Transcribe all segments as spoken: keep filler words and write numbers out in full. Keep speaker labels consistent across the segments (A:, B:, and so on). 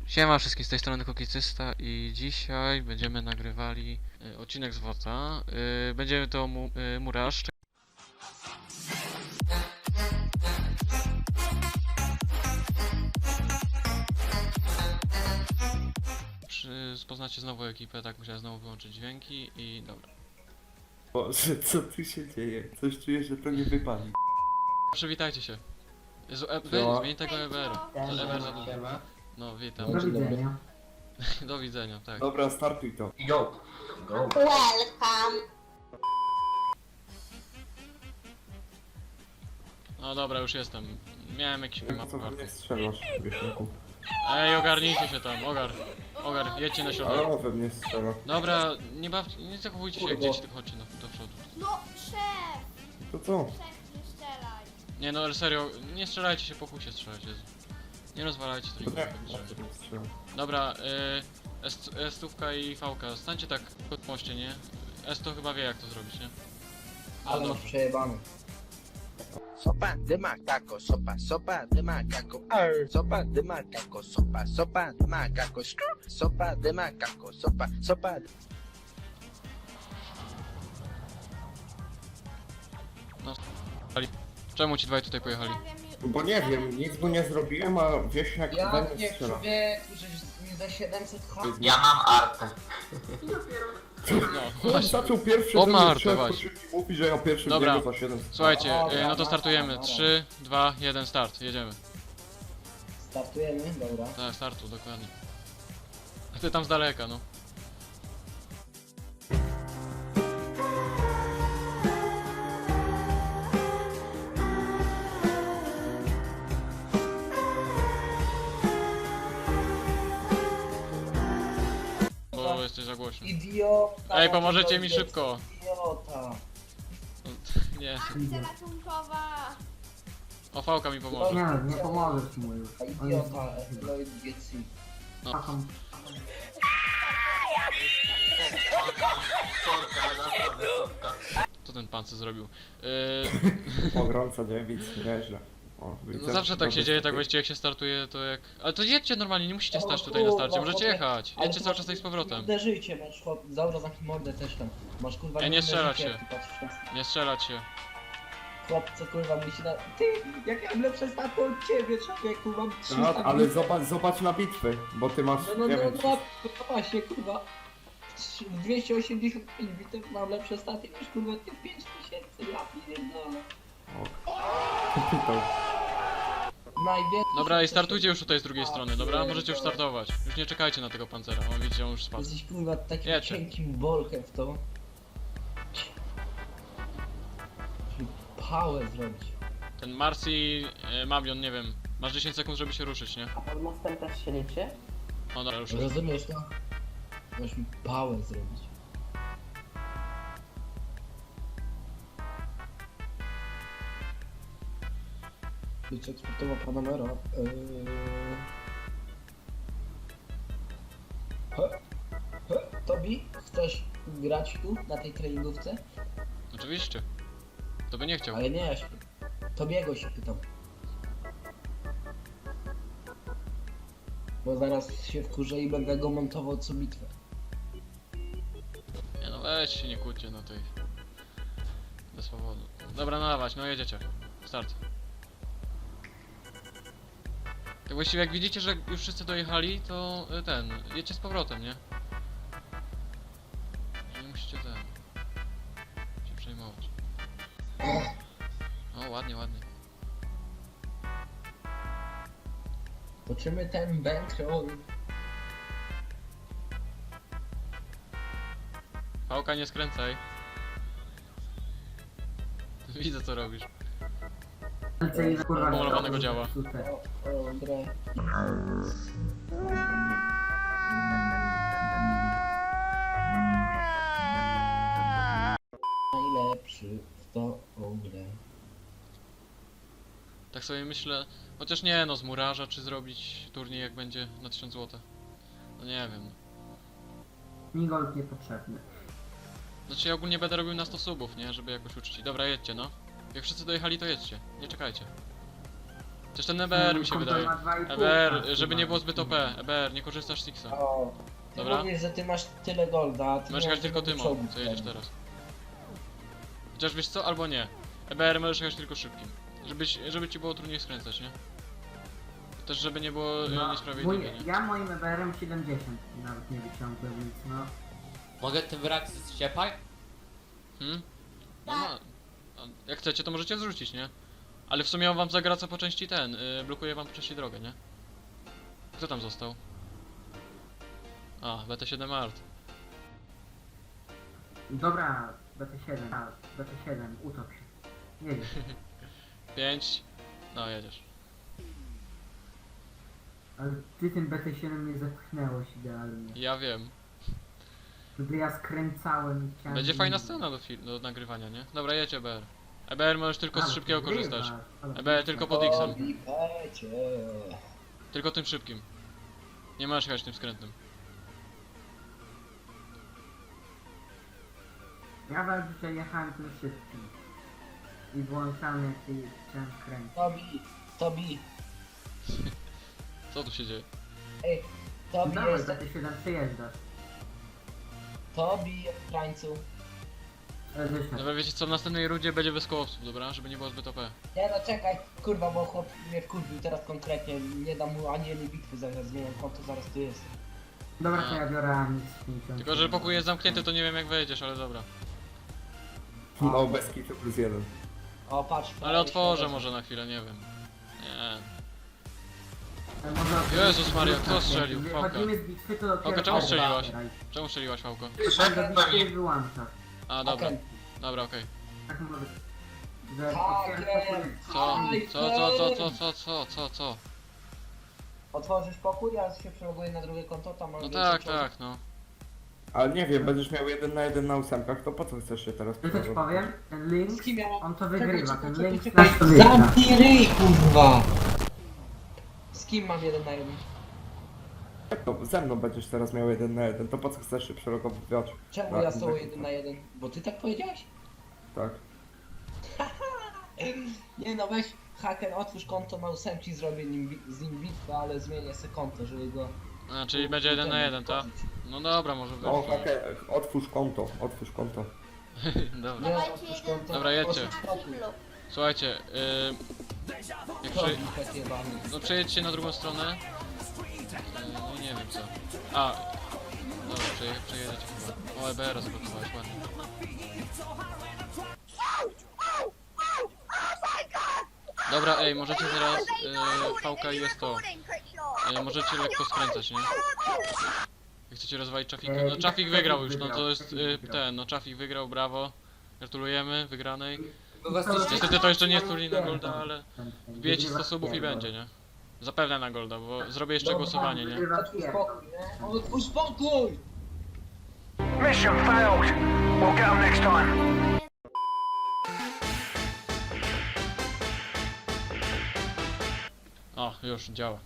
A: Siema wszystkim, z tej strony Kukicysta i dzisiaj będziemy nagrywali y, odcinek z WOTA. Y, będziemy to mu, y, Muraż. Czy poznacie znowu ekipę, tak musiałem znowu wyłączyć dźwięki i dobra.
B: Boże, co tu się dzieje? Coś czuję, że to nie wypali.
A: Przywitajcie się. Jezu, e, wy,
B: Siema.
A: zmień tego Eberu. To Eber za dużo. No witam.
C: Do widzenia.
A: Do widzenia, tak.
B: Dobra, startuj to.
D: Yo, go.
E: Welcome.
A: No dobra, już jestem. Miałem jakiś
B: Jak
A: map
B: to
A: karty.
B: nie strzelasz, wieśniaku?
A: Ej, ogarnijcie się tam, ogar. Ogar, jedźcie na środek.
B: Ale on we mnie strzela.
A: Dobra, nie bawcie, nie zachowujcie się jak dzieci, tylko chodźcie na, do przodu.
E: No, szef!
B: To co?
E: Szef, nie strzelaj.
A: Nie no, ale serio, nie strzelajcie się, po kusie strzelać, Jezu. Nie rozwalajcie
B: To
A: tego.
B: nie, to nie strzela.
A: Dobra, y, S- S-tówka i V-ka, stańcie tak pod moście, nie? S to chyba wie jak to zrobić, nie?
C: Ale masz przejebany.
F: Sopa de macaco, sopa, sopa de macaco, arr. Sopa de macaco, sopa, sopa de macaco, skrr. Sopa de macaco, sopa, sopa de...
A: Czemu ci dwaj tutaj pojechali?
E: Zostawiam ju-
B: Bo nie wiem, nic mu nie zrobiłem, a wieśniak we
C: Ja
B: mnie
C: nie
B: strzela.
C: człowieku, żeś mi za siedemset ha...
D: Ja mam artę.
A: No,
B: On
A: właśnie.
B: zaczął pierwszy,
A: O,
B: żeby
A: Marta,
B: strzelać,
A: właśnie.
B: po szybki mówi, że ja pierwszy
A: Dobra.
B: biegł za siedem.
A: Słuchajcie,
C: Dobra,
A: y, no to
C: dobra,
A: startujemy.
C: dobra.
A: trzy, dwa, jeden, start, jedziemy.
C: Startujemy, dobra.
A: Tak, startu, dokładnie. A ty tam z daleka, no. Bo jesteś za głośno.
C: Idiota!
A: Ej, pomożecie mi
C: to jest
A: szybko.
C: Idiota!
A: Nie,
E: Akcja ratunkowa.
A: o V-ka mi pomoże.
C: Nie, nie pomożesz mu już. Idiota, Lloyd Getsi.
A: No.
D: Sorka, ale naprawdę sorka.
A: Co ten pan co zrobił? Yy,
B: Pogrąca dziewic, nieźle. O,
A: no
B: widzę,
A: zawsze tak
B: to
A: się dzieje, tak
B: występuje.
A: właściwie jak się startuje, to jak... Ale to jedźcie normalnie, nie musicie
C: O
A: stać tutaj na starcie,
C: kurwa,
A: możecie
C: chłopie.
A: jechać.
C: Ale
A: Jedźcie
C: to
A: cały
C: masz-
A: czas tutaj z powrotem.
C: Uderzyjcie, masz chłop, zaura zamknij mordę też tam. Masz kurwa...
A: Ej, nie
C: inne
A: strzelać
C: życie,
A: się.
C: ty patrzysz na-
A: Nie strzelać się.
C: Chłop, co kurwa musi na... Ty, jak ja mam lepsze staty od ciebie, człowieku, mam trzy
B: No,
C: staty.
B: ale zobacz, zobacz na bitwy, bo ty masz,
C: No, no,
B: nie
C: no,
B: wiem,
C: no, no właśnie, kurwa. W dwieście osiemdziesiąt pięć bitew mam lepsze staty niż kurwa ty w pięć tysięcy, ja pierdolę.
B: pytał.
C: Najwięcej.
A: Dobra, i startujcie już tutaj z drugiej strony, dobra? Możecie już startować. Już nie czekajcie na tego pancera, on widzicie, on już spadł.
C: Jesteś kurwa takim
A: Jedźcie.
C: cienkim bolkiem w to. Żeby pałę zrobić.
A: Ten Marcy, e, Mabion, nie wiem. Masz dziesięć sekund, żeby się ruszyć, nie?
G: A pod mostem też się liczy?
A: O, dobra, już.
C: Rozumiesz to? Możesz mi pałę zrobić. Być eksportowa Panamera. Yy... He? He? Tobi, chcesz grać tu, na tej treningówce?
A: Oczywiście. To by nie chciał.
C: Ale nie, ja się... Tobiego się pytam. Bo zaraz się wkurzę i będę go montował co bitwę.
A: Nie no, weź się nie kłóćcie na tej... Bez powodu. Dobra, no dawać, no jedziecie. Start. Tak właściwie jak widzicie, że już wszyscy dojechali, to y, ten, jedźcie z powrotem, nie? Nie musicie ten... się przejmować. O, ładnie, ładnie.
C: Toczymy ten bankroll.
A: Pałka, nie skręcaj. Widzę co robisz. Pomalowanego działa.
C: O, o, dobra. Najlepszy w tą grę.
A: Tak sobie myślę, chociaż nie no, z murarza czy zrobić turniej jak będzie na tysiąc złotych. No nie wiem.
G: Migol niepotrzebny.
A: Znaczy ja ogólnie będę robił na sto subów, nie? Żeby jakoś uczcić. Dobra, jedźcie no. Jak wszyscy dojechali to jedźcie, nie czekajcie. Też ten E B R mi się
G: Kumpel
A: wydaje.
G: ma dwa i pół
A: E B R,
G: tak,
A: żeby
G: chyba.
A: nie było zbyt O P. E B R, nie korzystasz z Sixa.
C: O, ty
A: Dobra.
C: mówisz, że ty masz tyle golda, a ty
A: Możesz
C: nie
A: jechać
C: masz
A: tylko
C: tego
A: tym,
C: czołgu
A: co jedziesz
C: wtedy.
A: teraz. Chociaż wiesz co, albo nie. E B R możesz jechać tylko szybkim. Żebyś, żeby ci było trudniej skręcać, nie? Też żeby nie było
G: No,
A: no,
G: mój,
A: niesprawiedliwie, nie?
G: ja moim E B R-em siedemdziesiąt nawet nie wyciągłem, więc no.
H: Mogę ten wrak zciepać?
A: Hmm? No, no. A jak chcecie, to możecie zrzucić, nie? Ale w sumie on wam zagraca po części ten, yy, blokuje wam po części drogę, nie? Kto tam został? A, B T siedem Art.
G: Dobra, B T siedem, a, B T siedem, utop się. Nie wiem,
A: pięć. No, jedziesz.
G: ale ty tym B T siedem mnie zepchnęłeś idealnie.
A: Ja wiem.
G: Gdy ja skręcałem i chciałem...
A: Będzie fajna scena do, fil- do nagrywania, nie? Dobra, jedź E B R. E B R możesz tylko z
G: Ale
A: szybkiego
G: wygrywasz,
A: korzystać.
G: ale
A: E B R tylko pod X-em.
C: O, wipecie.
A: Tylko tym szybkim. Nie możesz jechać tym skrętnym.
G: Ja zazwyczaj jechałem tym szybkim. I włączałem jak się chciałem kręcić.
C: Tobi, Tobi,
A: Co tu się dzieje?
C: ej, Tobi
G: Dawaj,
C: jest,
G: B T siedem przejeżdżasz.
C: Tobi, krańcu.
G: Ale wyszedł.
A: Dobra, wiecie co, w następnej rundzie będzie bez kołowców, dobra? Żeby nie było zbyt O P.
C: Nie no czekaj, kurwa, bo chłop mnie wkurwił teraz konkretnie, nie dam mu ani jednej bitwy zaraz, zmieniam konto, zaraz tu jest.
G: Dobra, to
A: A.
G: ja biorę Amix pięćdziesiąt.
A: Tylko, że pokój jest zamknięty, to nie wiem jak wejdziesz, ale dobra.
B: No, bez kitu plus jeden.
C: O, patrz.
A: Ale otworzę może na chwilę, nie wiem. Nie.
G: Ale może-
A: Jezus Maria, kto strzelił?
G: Gdy
A: Fałka.
G: chodzimy z bitwy, to dopiero...
A: Fałka, czemu
G: O,
A: strzeliłaś?
G: dobra.
A: Czemu strzeliłaś, Fałko?
G: To tam do bitwy wyłączasz.
A: A, dobra.
C: Okej.
A: Dobra, okej.
G: Tak może... Że
C: Haker!
G: otwierasz pokój-
A: Co?
C: Aj,
A: Co, co, co, co, co, co, co, co?
C: Otworzysz pokój, ja się przeloguję na drugie konto, tam mam
A: No
C: więcej
A: tak,
C: czołgów.
A: tak, no.
B: Ale nie wiem, będziesz miał jeden na jeden na ósemkach, to po co chcesz się teraz
G: Ja też powiem, ten link,
C: Z kim ja mam...
G: on to
C: Czekaj,
G: wygrywa,
C: czekaj,
G: ten
C: czekaj,
G: link
C: czekaj.
G: nas to wygra.
C: Zamknij ryj, kurwa! Z kim mam jeden na jeden?
B: No, ze mną będziesz teraz miał jeden na jeden, to po co chcesz się przelogowywać?
C: Czemu
B: Tak,
C: ja z tobą
B: tak.
C: jeden na jeden? Bo ty tak powiedziałeś?
B: Tak.
C: Nie no, weź haker, otwórz konto na ósemki, zrobię nim, bi- z nim bitwę, ale zmienię sobie konto, żeby go...
A: A, czyli będzie jeden na jeden, tak? No dobra, może
B: O,
A: być.
B: haker, otwórz konto, otwórz konto.
A: Dobra.
C: Nie,
E: Dawajcie
C: otwórz
E: jeden
C: konto.
A: Dobra, jedźcie.
C: otwórz
E: na
C: pokój.
E: kiblu.
A: Słuchajcie, yy, jak
C: To
A: przy...
C: bitwę jebany.
A: No przejedźcie na drugą stronę. Yy, no i nie wiem co. A, dobra, przeje, przejedziecie chyba. O, E B R zablokowałeś, ładnie. Dobra, ej, możecie teraz, yy, V K i jest to. Yy, możecie lekko skręcać, nie? Jak chcecie rozwalić Trafika. No Trafik wygrał już, no to jest yy, ten, no Trafik wygrał, brawo. Gratulujemy wygranej. Niestety to jeszcze nie jest turniej na Golda, ale wbijecie sto subów i będzie, nie? Zapewne na Golda, bo zrobię jeszcze
C: Dobra,
A: głosowanie, nie?
G: Wygrywa
C: Otwórz
G: Pierre.
C: pokój, nie? Otwórz pokój!
I: Mission failed. We'll get 'em next time.
A: O, już działa.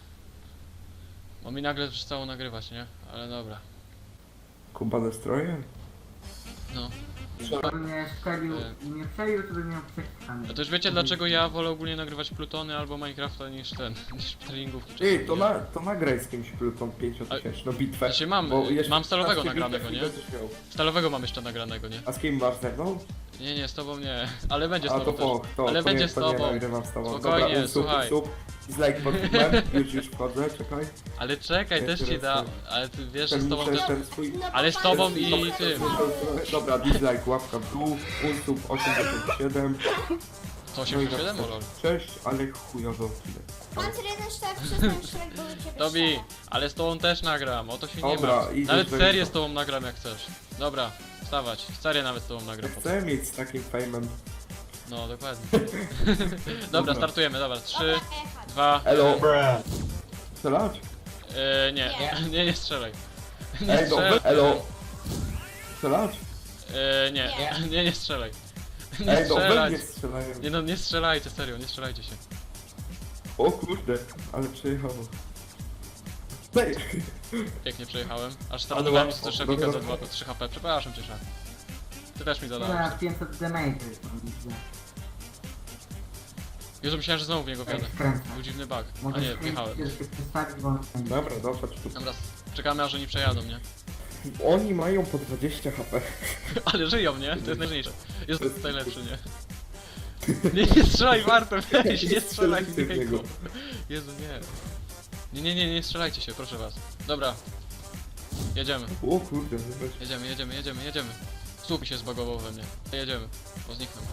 A: Bo mi nagle przestało nagrywać, nie? Ale dobra.
B: Kuba Destroyer?
A: No.
G: Gdyby mnie strzelił
A: E.
G: i mnie przelił, to bym miał przekichany.
A: A to już wiecie dlaczego ja wolę ogólnie nagrywać Plutony albo Minecrafta niż ten, niż treningówki czy
B: Ej,
A: coś,
B: to,
A: nie?
B: na, to nagraj z kimś Pluton pięciotysięczną bitwę.
A: Znaczy mam,
B: bo jeszcze
A: mam stalowego
B: szesnaście
A: nagranego,
B: bitew
A: nie?
B: i będziesz miał.
A: Stalowego mam jeszcze nagranego, nie?
B: A z kim masz ze mną?
A: Nie, nie, z tobą nie. Ale będzie z
B: A
A: tobą
B: to po,
A: też.
B: to,
A: Ale
B: to
A: będzie
B: nie,
A: z
B: to nie
A: tobą.
B: nagrywam z tobą.
A: Spokojnie,
B: Dobra, usup,
A: słuchaj.
B: usup. Dislike pod filmem, już już wchodzę, czekaj.
A: Ale czekaj, też ci da. Ale ty wiesz, że z
B: Ten,
A: tobą
B: ten,
A: też...
B: ten swój...
A: Ale z tobą i tym.
B: Dobra, dislike, łapka w dół, usup osiemdziesiąt siedem.
A: To osiemdziesiąt siedem, o lol.
B: Cześć, ale chujowo odcinek.
E: Pancer jeden cztery przestań Shrek, bo do ciebie
A: Tobi,
E: strzela.
A: ale z tobą też nagram, o to się nie
B: Dobra,
A: ma.
B: idziesz
A: Nawet
B: do
A: serię
B: niego.
A: z tobą nagram jak chcesz. Dobra, wstawać. Serię nawet z tobą
B: Ja
A: nagram. potem.
B: chcę mieć z takim fejmem.
A: No, dokładnie. Dobra, startujemy, dobra. trzy,
E: Dobra, jechać.
A: dwa...
B: Elo. Strzelać?
A: Yy, nie, nie, nie strzelaj. Nie
B: Ej, no,
A: strzelaj.
B: elo. Strzelać?
A: Yy, nie, nie, nie strzelaj. Nie
B: Ej, no, we
A: strzelać.
B: mnie strzelają.
A: Nie no, nie strzelajcie, serio, nie strzelajcie się.
B: O kurde, ale przyjechało. Ej,
A: Pięknie przejechałem. Aż
B: Ale
A: startowałem
B: łatwo.
A: z Szefika za
B: Dobra.
A: dwa- trzy H P. Przepraszam cię, Szef. Ty też mi
G: Ja
A: zadałeś.
G: pięćset damage mam widzę.
A: Jezu, myślałem, że znowu w niego wjadę.
G: Skręcam.
A: Był dziwny bug. A
G: Mogę
A: nie, wjechałem.
G: skręcić, żeby się przestawić, bo on skręci.
B: Dobra, dochodź tu.
A: Dobra, czekamy aż oni przejadą, nie?
B: Oni mają po dwadzieścia H P.
A: Ale żyją, nie? To jest najważniejsze. Jest to najlepszy, nie? Nie, nie strzelaj, warto, weź, nie strzelaj w niego. Jezu, nie. Nie, nie, nie, nie strzelajcie się, proszę was. Dobra. Jedziemy,
B: O kurde, zobacz.
A: jedziemy, jedziemy, jedziemy, jedziemy. Słup mi się zbagował we mnie. Jedziemy, bo zniknął.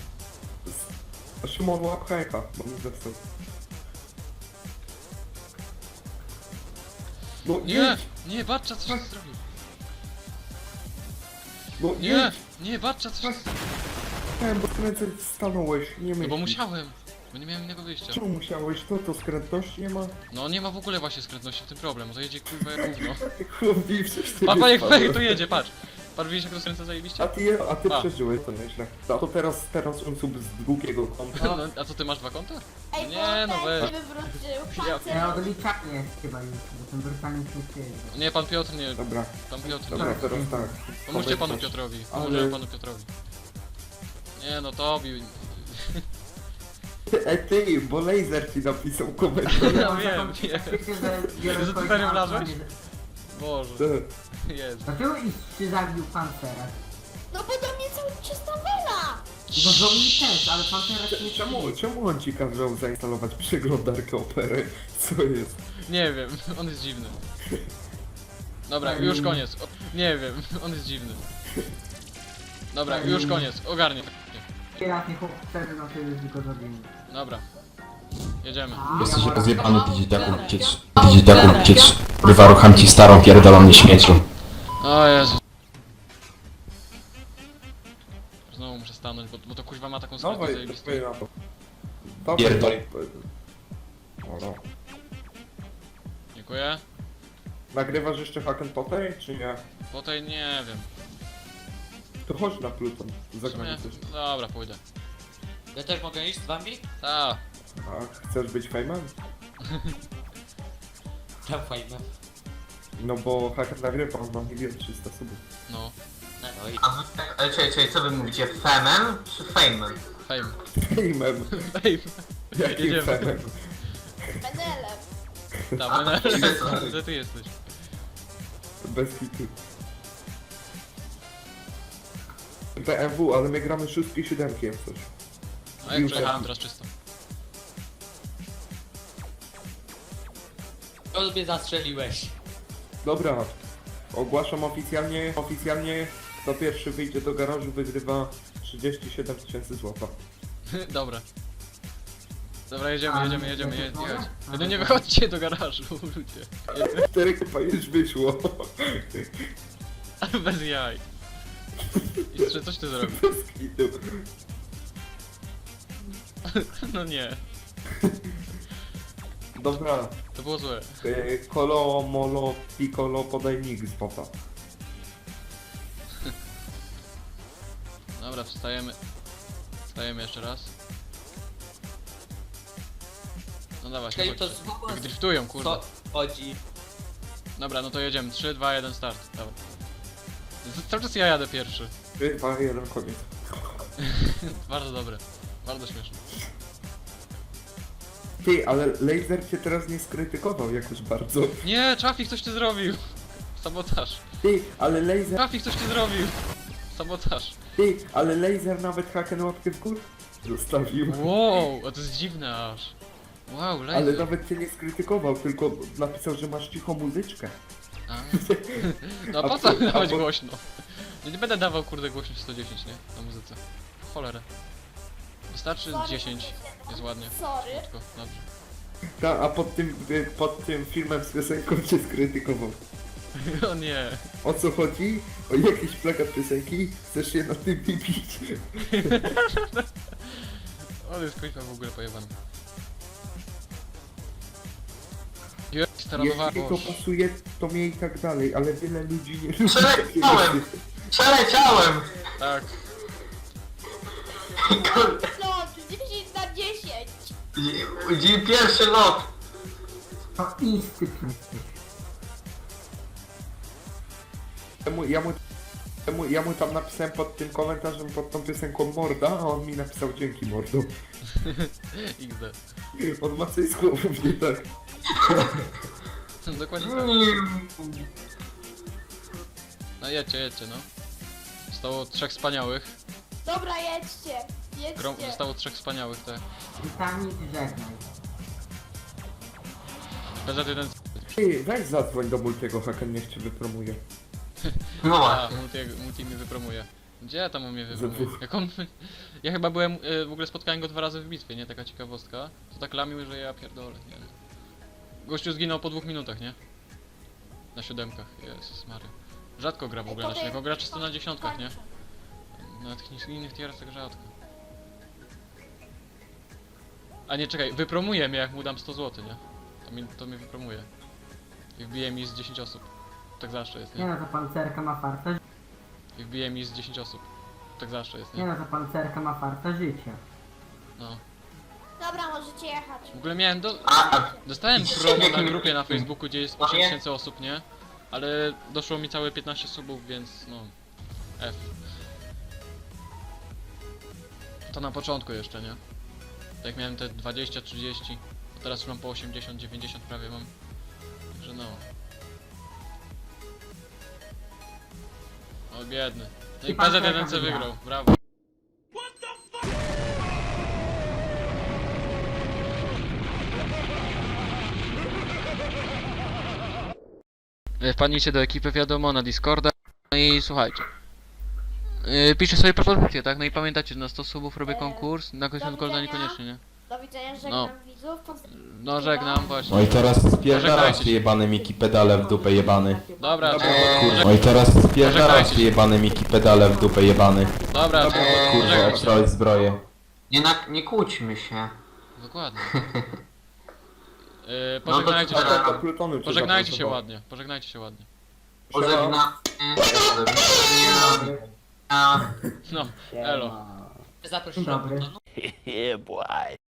B: Szymon łap hajka, bo mi został. No
A: Nie,
B: jedź!
A: nie, Barcza coś zrobił.
B: No
A: Nie,
B: jedź!
A: nie, Barcza coś zrobił.
B: Chciałem, bo skręcać stanąłeś, nie
A: No
B: myślisz.
A: bo musiałem, bo nie miałem innego wyjścia.
B: Czemu musiałeś? To to skrętności nie ma?
A: No nie ma w ogóle właśnie skrętności, w tym problem, to jedzie kurwa jak gówno.
B: Chłopi, przecież ty
A: Papa jak
B: wypadłeś.
A: fej, tu jedzie, patrz. Patrz, widzisz jak to skręca zajebiście?
B: A ty, a ty
A: A.
B: przeżyłeś to nieźle. No to teraz, teraz on sub z drugiego konta.
A: No, a co ty masz dwa konta?
E: Ej,
A: Nie,
E: bo
A: no
E: ten
A: weź.
E: się wywrócił.
A: Ja-
E: Pancer.
G: Ja odliczanie jest chyba już, bo ten brutalny się dzieje.
A: Nie, pan Piotr nie,
B: Dobra,
A: pan Piotr
B: dobra,
A: nie.
B: teraz tak.
A: Pomóżcie panu
B: Powiedz coś.
A: Piotrowi,
B: Ale-
A: pomóżemy panu Piotrowi. Nie no, Tobi.
B: Ty, ej ty, bo laser ci napisał komentarz.
A: Ja wiem, wiem.
G: Że
A: Że ty serio wlazłeś? Boże,
B: Ty,
A: Jezu.
G: Dlaczego się zabił Pancera?
E: No bo do mnie cały czas nawala.
G: No do mnie też, ale Pancera nie
B: czemu, czemu on ci kazał zainstalować przeglądarkę opery? Co jest?
A: Nie wiem, on jest dziwny. Dobra, już koniec. O, nie wiem, on jest dziwny. Dobra, już koniec, ogarnie.
G: Kierat nie chłop wtedy, no to już go zabili.
A: Dobra, jedziemy.
J: Jesteś rozjebany, pizdziaku, ciecz. Pizdziaku, ciecz. Kurwa, rucham ci starą, pierdoloną śmieciu.
A: O Jezu. Znowu muszę stanąć, bo, bo to kuźwa ma taką sprawę
B: Dawaj,
A: zajebistą.
B: dawaj na to. Dawaj,
J: Pierdol.
B: Dobra.
A: Dziękuję.
B: Nagrywasz jeszcze Hacken Potej, czy nie?
A: Po tej nie wiem.
B: To chodź na Pluton,
A: W sumie,
B: zagramy coś.
A: dobra, pójdę.
H: Ja też mogę iść z wami?
A: Ta.
B: A chcesz być fejmem?
H: Tam fajne.
B: No bo Hacken nagrywa, on ma milion trzysta subów.
A: No,
H: No, no i...
D: A wy tak, ale czekaj, czekaj, co wy mówicie? Femem czy fejmem?
A: fame.
B: Fejmem?
A: Fame.
B: Jakim
A: Jedziemy.
B: fejmem?
E: Menelem.
A: Ta,
D: A,
A: Menel,
D: to-
A: gdzie ty jesteś?
B: Bez hitu. B M W, ale my gramy szóstki siódemki jak coś.
A: A jak
B: Już
A: przejechałem
B: tak.
A: teraz czysto.
H: To mnie zastrzeliłeś.
B: Dobra, ogłaszam oficjalnie, oficjalnie kto pierwszy wyjdzie do garażu wygrywa trzydzieści siedem tysięcy złota.
A: Dobra. Dobra, jedziemy,
G: A,
A: jedziemy, jedziemy,
G: nie,
A: jedziemy.
G: nie,
A: jechać.
G: nie.
A: No nie wychodźcie do garażu, ludzie.
B: Cztery chyba już wyszło.
A: Bez jaj. Jeszcze coś ty zrobił?
B: Bez hitu.
A: No nie,
B: Dobra,
A: to było złe.
B: e, kolo, molo, piccolo, podaj nick z popa.
A: Dobra, wstajemy. Wstajemy jeszcze raz. No dawaj,
H: Czekaj, to
A: chodźcie.
H: znowu...
A: Jak driftują, kurde.
H: Co chodzi?
A: Dobra, no to jedziemy. trzy, dwa, jeden, start. Dawaj. Z- Cały czas ja jadę pierwszy.
B: trzy, dwa, jeden, koniec.
A: Bardzo dobre. Bardzo śmieszne.
B: Ty, ale laser cię teraz nie skrytykował jakoś bardzo.
A: Nie, Trafik coś ty zrobił. Sabotaż.
B: Ty, ale laser,
A: Trafik coś ty zrobił. Sabotaż.
B: ty, ale laser nawet haken łapkę w górę zostawił.
A: Wow, a to jest dziwne aż. Wow, laser.
B: Ale nawet cię nie skrytykował, tylko napisał, że masz cichą muzyczkę.
A: A. No
B: A
A: po co
B: po- a
A: dawać
B: po-
A: głośno? Nie, nie będę dawał kurde głośność sto dziesięć, nie? Na muzyce. Cholerę. Wystarczy
E: Sorry,
A: dziesięć. Jest ładnie.
E: Sorry.
A: Tylko, dobrze.
B: Ta, a pod tym, y, pod tym filmem z piosenką cię skrytykował.
A: O nie.
B: O co chodzi? O jakiś plakat piosenki? Chcesz się na tym wybić?
A: On jest kuźwa w ogóle pojebany. Jest staranowa...
B: Jeśli to pasuje, to mnie i tak dalej, ale wiele ludzi nie lubi takiego
D: Przeleciałem! Przeleciałem!
A: Tak.
D: Kurde,
E: Lot dziesięć na dziesięć.
D: dzień pierwszy lot!
G: To instynkt jesteś.
B: Ja mu, ja mu Ja mu, ja mu tam napisałem pod tym komentarzem, pod tą piosenką morda, a on mi napisał dzięki mordo.
A: iks de.
B: On ma coś z głową, nie tak.
A: Dokładnie tak. No jedźcie, jedźcie, no. Zostało trzech wspaniałych.
E: Dobra, jedźcie.
A: Grom,
E: Jedźcie.
A: zostało trzech wspaniałych, tak.
G: Titanic, żegnaj.
A: P Z jeden.
B: Ty, weź zadzwoń do Multiego, Haken niech cię wypromuje.
D: No
A: A,
D: właśnie.
A: multi, multi mnie wypromuje. Gdzie tam on mnie
B: Za
A: wypromuje?
B: dwóch.
A: Jak on... Ja chyba byłem, y, w ogóle spotkałem go dwa razy w bitwie, nie? Taka ciekawostka. To tak lamił, że ja pierdolę, nie? Gościu zginął po dwóch minutach, nie? Na siódemkach, Jezus Maria. Rzadko gra w ogóle na siódemkach, gra czysto na dziesiątkach, nie? Na tych innych tierach tak rzadko. A nie, czekaj, wypromuje mnie jak mu dam sto złotych, nie? To, mi, to mnie wypromuje. I wbije mi z dziesięć osób. Tak zawsze jest,
G: Nie
A: nie?
G: no, ta pancerka ma farta.
A: I wbije mi z dziesięć osób. Tak zawsze jest,
G: Nie
A: nie?
G: no, ta pancerka ma farta życia.
A: No.
E: Dobra, możecie jechać.
A: W ogóle miałem do...
D: A, a
A: Dostałem
D: I
A: promo na
D: jakim-
A: grupie na Facebooku, gdzie jest
D: No
A: osiem
D: nie?
A: tysięcy osób, nie? Ale doszło mi całe piętnaście subów, więc no... F. To na początku jeszcze, nie? Jak miałem te dwadzieścia, trzydzieści, a teraz już mam po osiemdziesiąt, dziewięćdziesiąt prawie mam. Także no... O biedny. No i
G: I pan
A: P Z jeden
G: czeka,
A: C
G: wygrał.
A: wygrał, brawo. Wpadnijcie do ekipy, wiadomo, na Discorda. No i słuchajcie. Yy, piszę sobie propozycje, tak? No i pamiętacie, że na sto subów robię konkurs, na końcu
E: do
A: Golda
E: widzenia.
A: niekoniecznie, nie?
E: Do widzenia, żegnam
A: No.
E: widzów. Poz-
A: No żegnam, właśnie.
J: No i teraz spierdalasz
A: Pożegnajcie
J: ty
A: się.
J: jebany Miki pedale w dupę jebany.
A: Dobra,
B: Dobra,
A: kurwa.
J: No i teraz spierdalasz
A: Pożegnajcie
J: ty
A: się.
J: jebany Miki pedale w dupę jebany.
A: Dobra,
B: Dobra,
J: Kurwa,
A: pożegnaj się.
J: obstrałeś zbroję.
D: nie, na, nie kłóćmy się.
A: Dokładnie. Yy,
D: No to
A: pożegnajcie
D: dobra.
A: się.
B: A to do Plutonu cię
A: Pożegnajcie się
B: zaproponował.
A: ładnie, pożegnajcie się ładnie.
D: Pożegna... Pożegnania.
A: No, elo.
H: Zaprosiłem.
G: Dobry.
F: Yeah, boy.